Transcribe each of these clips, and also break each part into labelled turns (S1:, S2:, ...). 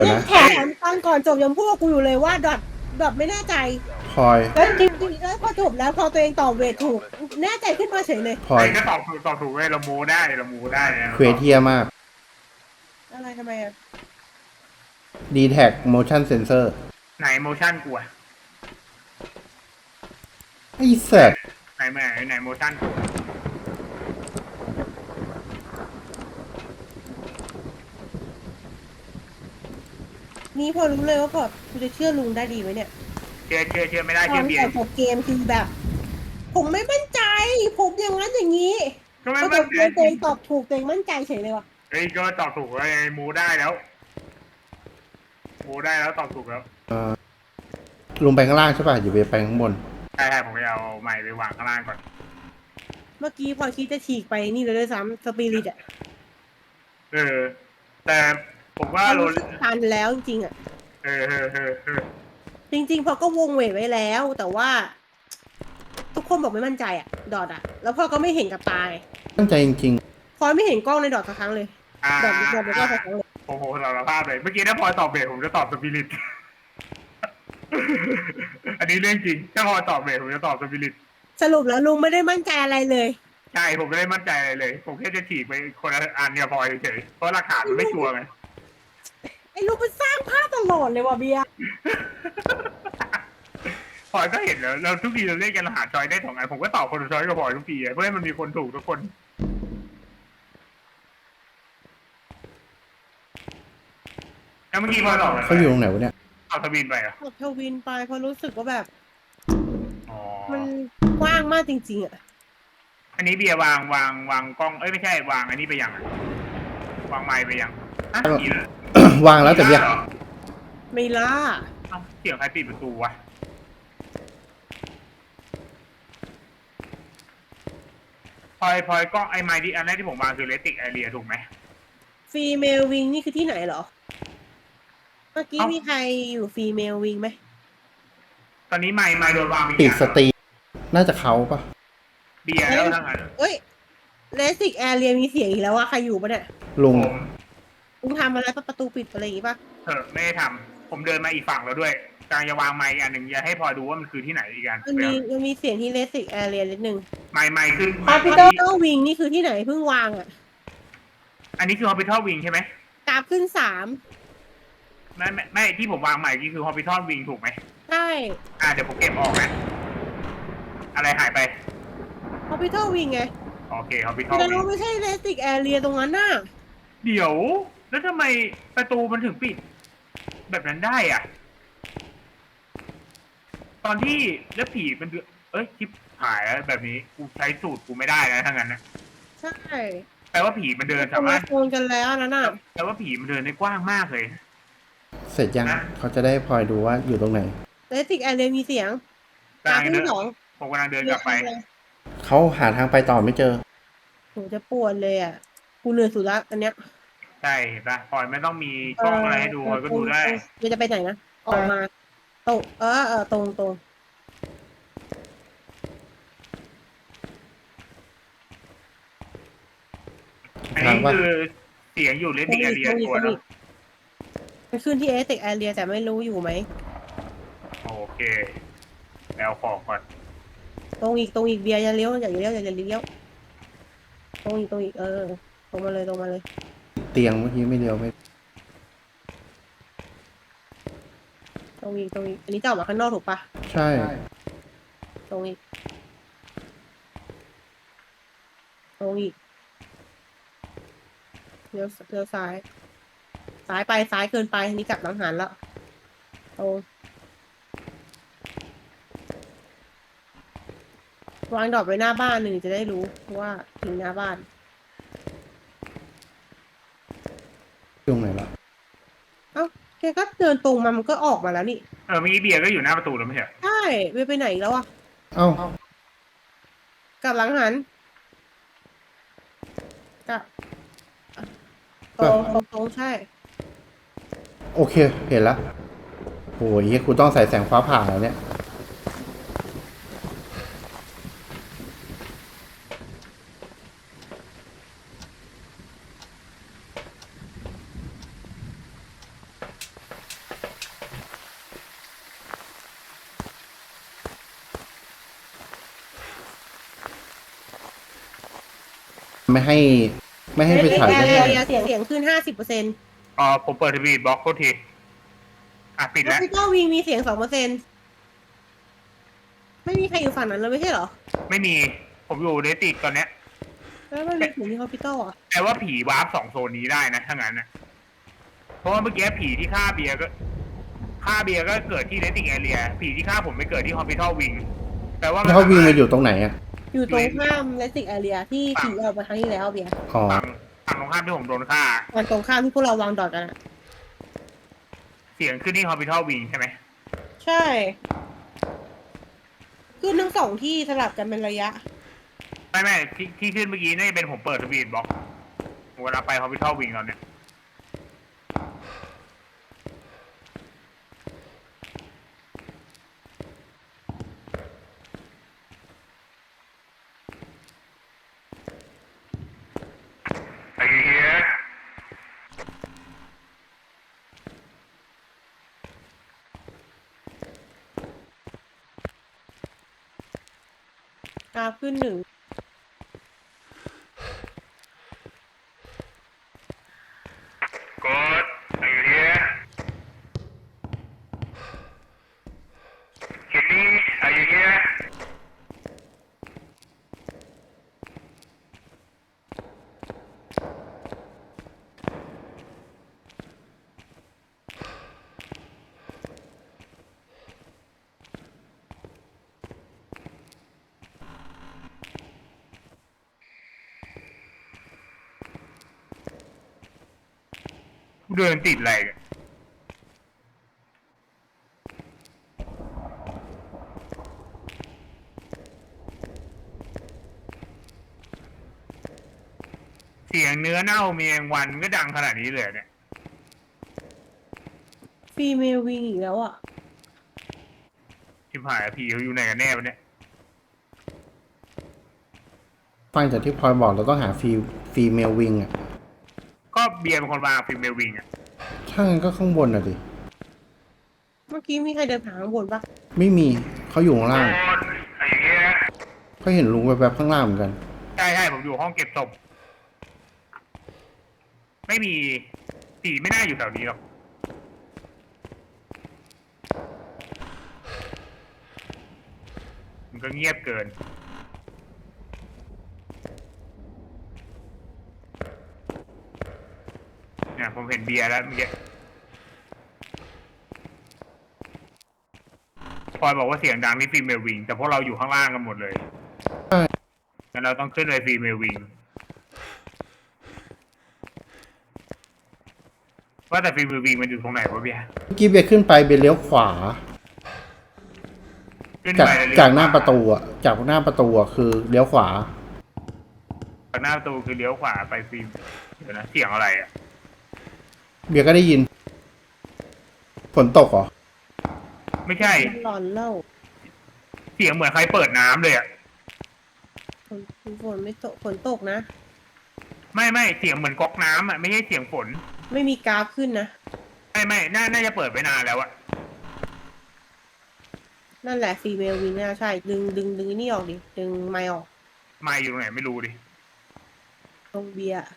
S1: เนี่ย
S2: นะ
S1: แถมตอนก่อนจบยังพูดกับกูอยู่เลยว่าดอทไม่แน่ใจ
S2: พลอย
S1: แล้วจริงๆแล้วพอจบแล้วพอตัวเองตอบเวทถูก แน่ใจขึ้นมาเฉยเลย
S2: พลอย
S3: ไอ้ก็ตอบถูกเว้ยเรามูได้นะ
S2: เควสเทียมาก
S1: อะไรทำไมอ่ะ
S2: d t แท็ motion sensor
S3: ไหนโมชั่นกูอะ
S2: ไอ้สัตว์
S3: ไหนโมชั่นกู
S1: นี่พอรู้เลยว่าพอกูจะเชื่อลุงได้ดีไหมเนี่ย
S3: เชื่อไม่ได้
S1: ตอ
S3: เชื่อน เบีย
S1: แต่
S3: ร์
S1: จบเกมคือแบบ ผมไม่มั่นใจ ผมอย่างนั้นอย่างนี้
S3: ก็
S1: พ
S3: ไม่
S1: อจ
S3: มั่น
S1: บ
S3: ใจ
S1: เกมตัวเองตอบถูกตัวเองมั่นใจเฉยเลยว่ะ
S3: เฮ้ยก็ตอบถูกไอ้มูได้แล้วตอบถูกแล้ว
S2: ลงไปข้างล่างใช่ป่ะ อยู่ไปข้างบน
S3: ใช่ผมจะเอาไม้ไปวางข้างล่างก่อน
S1: เมื่อกี้พอคิดจะฉีกไปนี่เลยด้วยซ้ำสปิริตอ่ะ
S3: แต่ผมว่า
S1: มัน
S3: โร
S1: รู้สึกทันแล้วจริงๆอ่ะ
S3: เออ
S1: จริงๆพอก็วงเวทไว้แล้ว แต่ว่า ทุกคนบอกไม่มั่นใจอ่ะ ดอทอ่ะ แล้วพ่อก็ไม่เห็นกับตาไง
S2: ตั้งใจจริง
S1: พอยไม่เห็นกล้องในดอทสักครั้งเลย
S3: อ่า
S1: ดอทไม่กล้องสักครั้งเลย
S3: โอ้โหสารภาพเลยเมื่อกี้ถ้าพลอยตอบเบสผมจะตอบสปิริต อันนี้เรื่องจริงถ้าพลอยตอบเบสผมจะตอบสปิริต
S1: สรุปแล้วลุงไม่ได้มั่นใจอะไรเลย
S3: ใช่ผมไม่ได้มั่นใจอะไรเลย ผมแค่จะฉีกไปคนละอันเนี่ยพลอยเฉยเพราะหลักฐานมันไม่ชัวร์ไง
S1: ไอ้ลุงมันสร้างภาพตลอดเลยว่ะเบียร์
S3: พลอยก็เห็นแล้วเราทุกทีเราเล่นกันหาจอยได้2 อันผมก็ตอบคนละจอยกับพลอยทุกทีเพื่อให้มันมีคนถูกทุกคนแล้วเมื่อกี้พลอยตอบอะไร
S2: ๆเขาอยู่ตรงไหนวะเนี่ย
S3: เอาทวินไปอ่ะ
S1: บอกทวินไปเพราะรู้สึกว่าแบบ
S3: อ๋อ
S1: มันกว้างมากจริงๆอ่ะ
S3: อันนี้เบียร์วางกล้องไม่ใช่วางอันนี้ไปยังวางไม้ไปยังอ่ะอีกแล้ว
S2: วางแล้วแต่เบียร์
S1: ไม่ล่า
S3: เอ้าเสียงใครปิดประตูวะพลอยกล้องไอ้ไม้ที่อันแรกที่ผมวางคือเลติกแอเรียถูกไหม
S1: ฟีเมลวิงนี่คือที่ไหนเหรอ เมื่อกี้
S3: เอ้ามี
S1: มีใครอยู่ฟีเมลวิงไหม
S3: ตอนนี้ไม้โดนวาง
S2: ปิดสตรีมน่าจะเขาปะ
S3: เบียร์แล้วทั้งนั้น
S1: เอ้ยเลสิกแอเรียมีเสียงอีกแล้วว่าใครอยู่ปะเนี่ย
S2: ลุง
S3: ผม
S1: ลุงทำอะไรปะประตูปิดอะไรอย่างงี้ปะ
S3: ไม่ได้ทำผมเดินมาอีกฝั่งแล้วด้วยกำลังจะวางไม้อันหนึ่งจะให้พลอยดูว่ามันคือที่ไหนอีกอัน
S1: มันมีเสียงที่เลสิกแอเรียนิดนึง
S3: ไม้ขึ้น
S1: ฮอสพิทอลวิงนี่คือที่ไหนเพิ่งวางอ่ะ
S3: อันนี้คือ Hospital Wing ใช่ไหม
S1: กราฟขึ้น3
S3: ไม่ที่ผมวางใหม่นี่คือ Hospital Wing ถูกไหม
S1: ใช่
S3: เดี๋ยวผมเก็บออกนะอะไรหายไป
S1: ฮอสพิทอลวิงไง
S3: โอเค Hospital
S1: แต่
S3: Wing
S1: เราไม่ใช่เลสิกแอเรียตรงนั้นน่ะ
S3: เดี๋ยวแล้วทำไมประตูมันถึงปิด แบบนั้นได้อ่ะ ตอนที่แล้วผีมันชิบหายแล้วแบบนี้กูใช้สูตรกูไม่ได้แล้วทั้งนั้นนะ
S1: ใช่
S3: แปลว่าผีมันเดิน
S1: ตร
S3: สาง มาร
S1: มา
S3: ถ
S1: โซนกันแล้วนั่นน่ะ
S3: แปลว่าผีมันเดินได้กว้างมากเลย
S2: เสร็จยัง เขาจะได้พลอยดูว่าอยู่ตรงไหน
S1: เลสิกแอเรียมีเสียงก
S3: กำ
S1: รา
S3: ลั
S1: ฟ
S3: ง
S1: ขึ้
S3: เดิ
S1: น
S3: น
S1: 2
S3: ผมกำลังเดินกลับไป
S2: เขาหาทางไปต่อไม่เจอ
S1: โหจะปวดเลยอ่ะ กูเหนื่อยสุดละอันเนี้ย
S3: ใช่เห็นปะพลอยไม่ต้องมีกล้องอะไรให้ดูพลอยก็ดูได้
S1: เดี๋ยวจะไปไหนนะ ออกมาตรงตรง
S3: อันนี้คือเสียงอยู่เลน
S1: ตร
S3: ดิ้
S1: ง
S3: งแอ
S1: อีก
S3: เรีย
S1: ตรงอีก
S3: ตัว
S1: ตรง
S3: เน
S1: อี
S3: อะ
S1: กมันขึ้นที่เอสติกแอเรียแต่ไม่รู้อยู่ไหม
S3: โอเคแล้วของก่อน
S1: ตรงอีกเบียร์อย่าเลี้ยวอย่าเลี้ยวตรงอีกตรงมาเลย
S2: เตียงเมื่อกี้ไม่เดียวไม่
S1: ตรงอีกอันนี้จะออกมาข้างนอกถูกปะ
S2: ใช่
S1: ตรงอีกเลี้ยวซ้ายไปซ้ายเกินไปอันนี้กลับหลังหันแล้วตรงวางดอกไว้หน้าบ้านหนึ่งจะได้รู้ว่าถึงหน้าบ้าน
S2: ตรงไหนละ
S1: เอ้าแกก็เดินตรงมามันก็ออกมาแล้วนี่
S3: เมื่อกี้เบียร์ก็อยู่หน้าประตูแล้วไม่ใช่เหรอ
S1: ใช่ไปไหนแล้วอ่ะ
S2: เอ้า
S1: กลับหลังหันกลับตรงใช่
S2: โอเค เห็นละโอ้ยคุณต้องใส่แสงฟ้าผ่าแล้วเนี่ยไม่ให้ไปฉาย
S1: แอ
S2: ได้
S1: ร์เสียงขึ้น50%
S3: ผมเปิดทีวีบล็อกโทษทีปิด
S1: แล้
S3: แล้ว ว
S1: พี่ก็วิงมีเสียง2%ไม่มีใครอยู่ฝั่งนั้นเลยไม่ใช่เหรอ
S3: ไม่มีผมอยู่ในติดตอนเนี้ย
S1: แล้วมันมีเสียงที่ฮอสพิทอลอ่ะ
S3: แต่ว่าผีวาร์ป2โซนนี้ได้นะถ้างั้นนะเพราะว่าเมื่อกี้ผีที่ฆ่าเบียร์ก็เกิดที่เนติกแอเรียผีที่ฆ่าผมไปเกิดที่ฮอสพิทอลวิงแต่ว่า
S2: แล้วเขาวิ่งมาอยู่ตรงไหนอ่ะ
S1: อยู่ตรงข้ามเลสิกแอเรียที่ผีออกมาครั้งที่แล้วเบียร์
S2: อ๋อ
S3: ฝั่งตรงข้ามที่ผมโดนฆ่า
S1: ฝั่งตรงข้ามที่พวกเราวางดอทกันอ่ะ
S3: เสียงขึ้นที่ฮอสพิทอลวิงใช่ไหม
S1: ใช่ขึ้นทั้ง2ที่สลับกันเป็นระยะ
S3: ไม่ที่ขึ้นเมื่อกี้น่าจะเป็นผมเปิดทีวีบล็อกเวลาไปฮอสพิทอลวิงตอนเนี้ยไอ้เหี้ย
S1: กราฟขึ้น1
S3: กดไอ้เหี้ยเห็นนี่ไอ้เหี้ย เดินติดอะไรเนี่ยเสียงเนื้อเน่ามีแมงวันก็ดังขนาดนี้เลยเนี่ย
S1: ฟีเมลวิงอีกแล้วอ่ะ
S3: ชิบหายผีเขาอยู่ไหนกันแน่วะเนี่ย
S2: ฟังจากที่พลอยบอกเราต้องหาฟีเมลวิงอ่ะ
S3: ก็เบียร์เป็นคนวางฟิล์มเมลวิงอ่ะ
S2: ถ้างั้นก็ข้างบนอ่ะดิ
S1: เมื่อกี้มีใครเดินผ่านข้างบนปะ
S2: ไม่มีเขาอยู่ข้างล่าง
S3: ไอ้เงี้ย
S2: ก็เห็นลุงแวบๆข้างล่างเหมือนกัน
S3: ใช่ผมอยู่ห้องเก็บศพไม่มีผีไม่น่าอยู่แถวนี้หรอกมันก็เงียบเกินเนี่ยผมเห็นเบียร์แล้วเมื่อกี้พลอยบอกว่าเสียงดังที่ฟิล์มเมลวิงแต่พวกเราอยู่ข้างล่างกันหมดเลย
S2: ใช่
S3: งั้นเราต้องขึ้นไปฟิล์มเมลวิงว่าแต่ฟิล์มเมลวิงมันอยู่ตรงไหนวะเบียร์
S2: เมื่อกี้เบียร์ขึ้นไปเบียร์เลี้ยวขวา
S3: ขึ้น
S2: จาก
S3: ไปเลย
S2: จากหน้าประตูอ่ะจากหน้าประตูอ่ะคือเลี้ยวขวา
S3: จากหน้าประตูคือเลี้ยวขวาไปฟิล์มเดี๋ยวนะเสียงอะไรอ่ะ
S2: เบียร์ก็ได้ยินฝนตกเหรอ
S3: ไม่ใช่
S1: หลอนเล่า
S3: เสียงเหมือนใครเปิดน้ำเลยอ่ะ
S1: ฝนไม่ตกฝนตกนะ
S3: ไม่เสียงเหมือนก๊อกน้ำอ่ะไม่ใช่เสียงฝน
S1: ไม่มีกราฟขึ้นนะ
S3: ไม่น่าจะเปิดไปนานแล้วอ่ะ
S1: นั่นแหละฟีเมลวิงน่าใช่ ดึงนี่ออกดิ ดึงไมค์ออก
S3: ไม่อยู่ตรงไหนไม่รู้ดิ
S1: ตรงเบียร์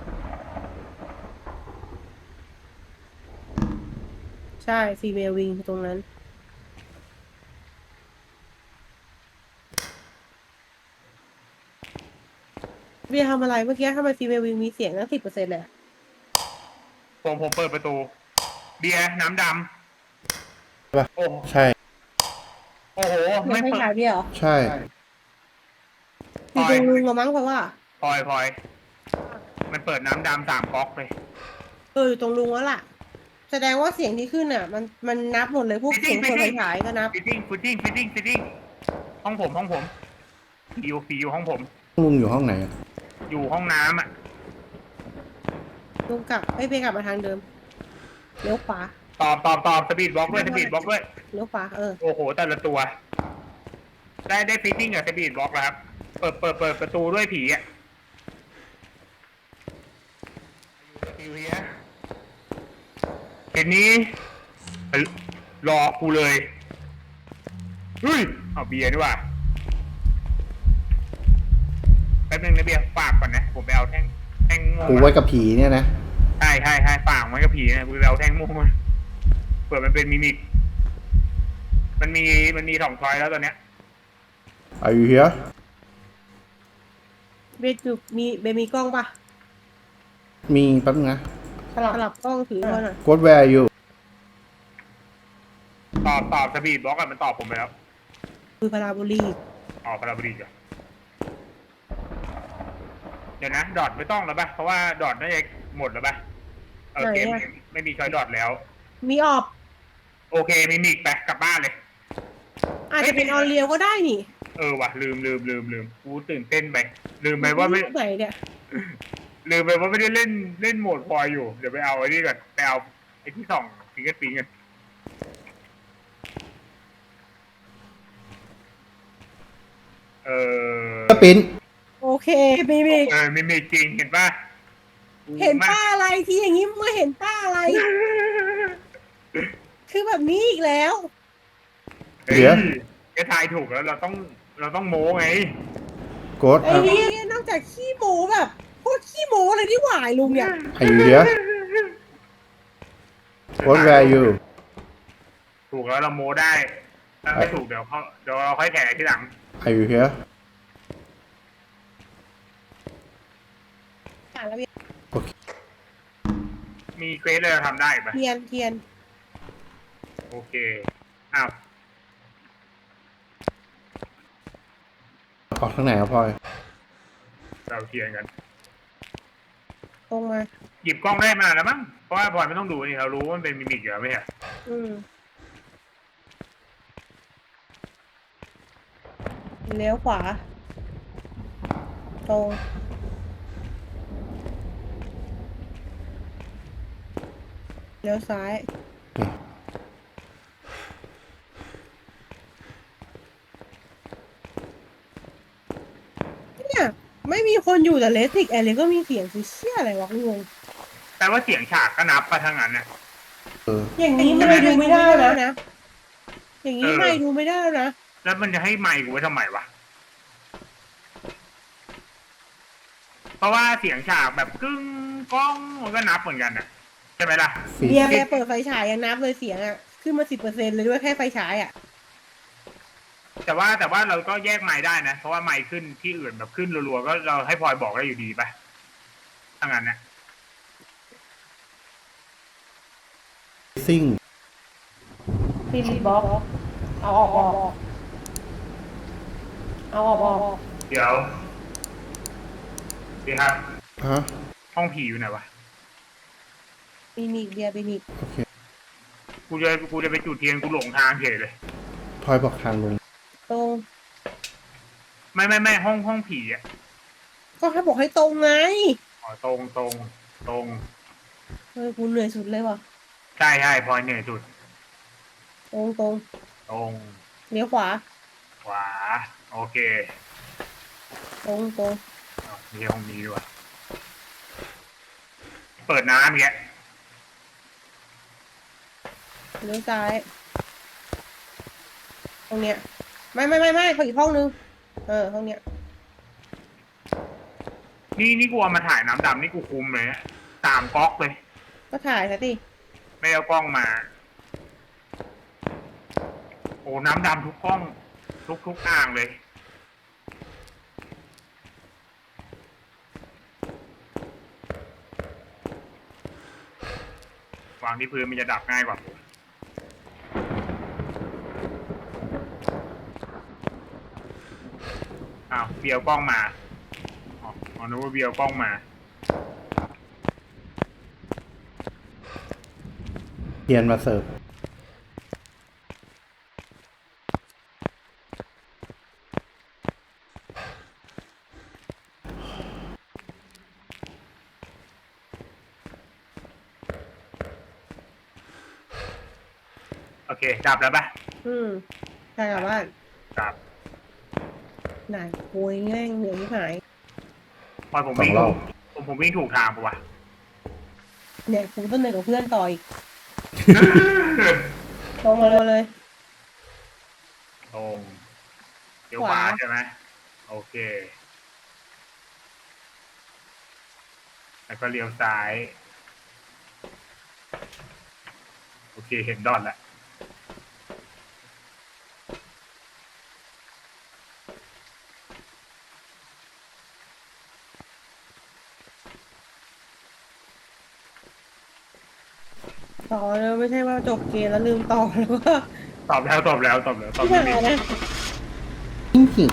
S1: ใช่ฟีเมลวิงตรงนั้น เบียร์ทำอะไรเมื่อกี้ทำไมฟีเมลวิงมีเสียงตั้ง10%เลยอะ
S3: ผมเปิดประตู เบียร์น้ำด
S2: ใช่ปะ
S3: ำโอ้
S2: ใช่
S3: โอ้โห
S1: ไม่
S3: ไม่
S1: ใช่
S3: เปิด
S1: ขายเบียร์เหรอ
S2: ใช่
S1: อยู่ตรงลุงละมั้งเพราะว่า
S3: พลอยมันเปิดน้ำดำ3ก๊อกเลย
S1: อยู่ตรงลุงแล้วล่ะ แสดงว่าเสียงที่ขึ้นอ่ะ มันนับหมดเลยพวกเสียงคนขายก็นับ
S3: ฟิตติ้งห้องผมผีอยู่ห้องผม
S2: ลุงอยู่ห้องไหนอะ
S3: อยู่ห้องน้ำอ่ะ
S1: ลุงกลับไปกลับมาทางเดิมเลี้ยวขวา
S3: ตอบสปีดบล็อกด้วย
S1: เลี้ยวขวา
S3: โอ้โหแต่ละตัว ได้ฟิตติ้งกับสปีดบล็อกแล้วครับ เปิดประตูด้วยผีอ่ะอยู่เฮียเห็นนี้รอกูเลยเฮ้ยเอาเบียร์ดีกว่าไปป๊บนึงนะเบียร์ฝากก่อนนะผมไปเอาแท่งม่วง
S2: กูไว้กับผีเนี่ยนะ
S3: ใช่ฝากไว้กับผีนะกูไปเอาแท่งม่วงมาเผื่อมันเป็นมิมิกมันมี2 ช้อยแล้วตอนเนี้ย
S2: Are you here
S1: เบจุมีกล้องปะ
S2: มีแป๊บนึงนะ
S1: สลับกล้องถือมาหน่อย
S2: Ghost where are you
S3: ตอบสปีดบล็อกอะมันตอบผมไปแล้ว
S1: คือพาราโบลี
S3: พาราบดีจ้ะเดี๋ยวนะดอทไม่ต้องแล้วป่ะเพราะว่าดอทน่าจะหมดแล้วป่ะเกมไม่มีช้อยดอทแล้ว
S1: มีออบ
S3: โอเคมิมิกไปกลับบ้านเลย
S1: อาจจะเป็นออนเรียวก็ได้นี่
S3: ว่ะลืมกูตื่นเต้นไปลืมไปว่าไม่
S1: ไหนเนี่ย
S3: ลืมไปว่าไม่ได้เล่นโหมดพอยอยู่เดี๋ยวไปเอาไอ้นี่ก่อนไปเอาไอ้ที่ส่องฟิงเกอร์ปิ้งกัน
S2: ก็ปิ้น
S1: โอเคมี
S3: มิมิกจริงเห็นป่ะ
S1: เห็นป้าอะไรที่อย่างนี้เมื่อเห็นป้าอะไร คือแบบนี้อีกแล้ว
S3: เดี๋ยวแกทายถูกแล้วเราต้องโม้ไง
S2: Ghost
S1: ไอ้นี่นอกจากขี้โม้แบบพวกขี้โม้เลยที่หวายลุงเนี่ย
S2: Are you here Ghost where are you
S3: ถูกแล้วเราโม้ได้ถ้าไม่ถูกเดี๋ยวเราค่อยแถทีหลัง
S2: Are you here
S1: อ่านแล้ว
S3: มีเควสเลยเราทำได้ปะ
S1: เทียน
S3: โอเคอ้าว
S2: ออกทางไหนครับพลอย
S3: เราเทียนกัน
S1: ตรงมา
S3: หยิบกล้องได้มาแล้วมั้งเพราะว่าพลอยไม่ต้องดูนี่เรารู้ว่ามันเป็นมิมิกอยู่แล้วไม่ใช่
S1: เลี้ยวขวา ตรงเลี้ยวซ้าย เนี่ย ไม่มีคนอยู่แต่เลสิกแอร์เลยก็มีเสียงคือเชี่ยอะไรวะงง
S3: แต่ว่าเสียงฉากก็นับไปทางนั้นน่ะ
S1: อย่างนี้ไม่ดูไม่ได้แล้วนะ อย่างนี้ไม่ดูไม่ได้แล้วนะ
S3: แล้วมันจะให้ไมค์กูไว้ทำไมวะเพราะว่าเสียงฉากแบบกึ้งก้องมันก็นับเหมือนกันน่ะใช่ไหมล่ะ
S1: เบียร์เปิดไฟฉายยังนับเลยเสียงอ่ะ ขึ้นมา10%เลยด้วยแค่ไฟฉายอ่ะ
S3: แต่ว่าเราก็แยกไมค์ได้นะ เพราะว่าไมค์ขึ้นที่อื่นแบบขึ้นรัวๆก็เราให้พลอยบอกได้อยู่ดีป่ะถ้างั้นนะ
S2: ซิ่ง
S1: ฟิลิปบ็อกเอาออกเอาออก
S3: เดี๋ยวดีครับ
S2: ฮะ
S3: ห้องผีอยู่ไหนวะ
S1: ปีนิกเบียร์ปีนิก
S2: โอเค
S3: กูจะไปจุดเทียนกูหลงทางเฉยเลย
S2: พลอยบอกทางลง
S1: ตรง
S3: ไม่ห้องผีอ่ะ
S1: ก็ให้บอกให้ตรงไง
S3: อ๋อตรง
S1: กูเหนื่อยสุดเลยว่ะ
S3: ใช่พลอยเหนื่อยสุด
S1: ตรง
S3: ตรง
S1: เลี้ยวขวา
S3: ขวาโอเค
S1: ตรง
S3: มีห้องนี้ด้วยเปิดน้ำแก
S1: เลี้ยวซ้าย ตรงเนี้ย ไม่เขาอีกห้องนึง ห้องเนี้ย
S3: นี่กูเอามาถ่ายน้ำดำนี่กูคุมเลยนะ3 ก๊อกเลย
S1: ก็ถ่ายซะดิ
S3: ไม่เอากล้องมา โอ้น้ำดำทุกกล้อง ทุกอ่างเลย วางที่พื้นมันจะดับง่ายกว่าผมอ้าวเบียวกล้องมาอ๋อนึกว่าเบียวกล้องมา
S2: เทียนมาเสิร์ฟ
S3: โอเค ดับแล้วปะ
S1: ใช่กลับบ้าน
S3: ดับ
S1: ไหนโวยแง่งเหนื่อยที่หาย
S3: พอผมวิ่งถูกผมวิ่งถูกทางปะวะ
S1: เนี่ยกูต้องเหนื่อยกับเพื่อนต่ออีก ตรงมาเลย
S3: ตรงเดี๋ยวขวาใช่ไหมโอเคแล้วก็เลี้ยวซ้าย โอเคเห็นดอทแล้ว
S1: ต่อเลยไม่ใช่ว่าจบเกมแล้วลืมต่อแล้วก็
S3: ตอบแล้วตอบแล้วตอบ
S1: ไม่
S3: ไม่
S1: ได้
S3: ได้
S1: นะ
S2: จริง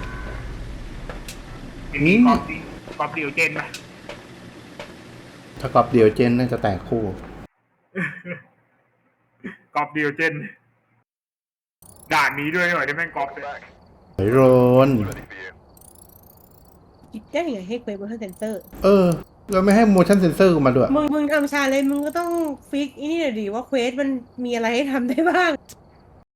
S3: มีกอล์ฟเดียวเจนไหม
S2: ๆถ้ากอบเดียวเจนน่าจะแตกคู่
S3: กอล์ฟเดียวเจน ด่านนี้ด้วยหน่อยได้แม่งกอล์ฟเลย
S2: เฮ้ยโรน
S1: คิดได้ยังไงให้เควสบนเซนเซอร์
S2: เราไม่ให้ motion sensor กูมาด้วย
S1: มึงทำชาเลนจ์มึงก็ต้องฟิกอีนี่หน่อยดิว่าเควสมันมีอะไรให้ทำได้บ้าง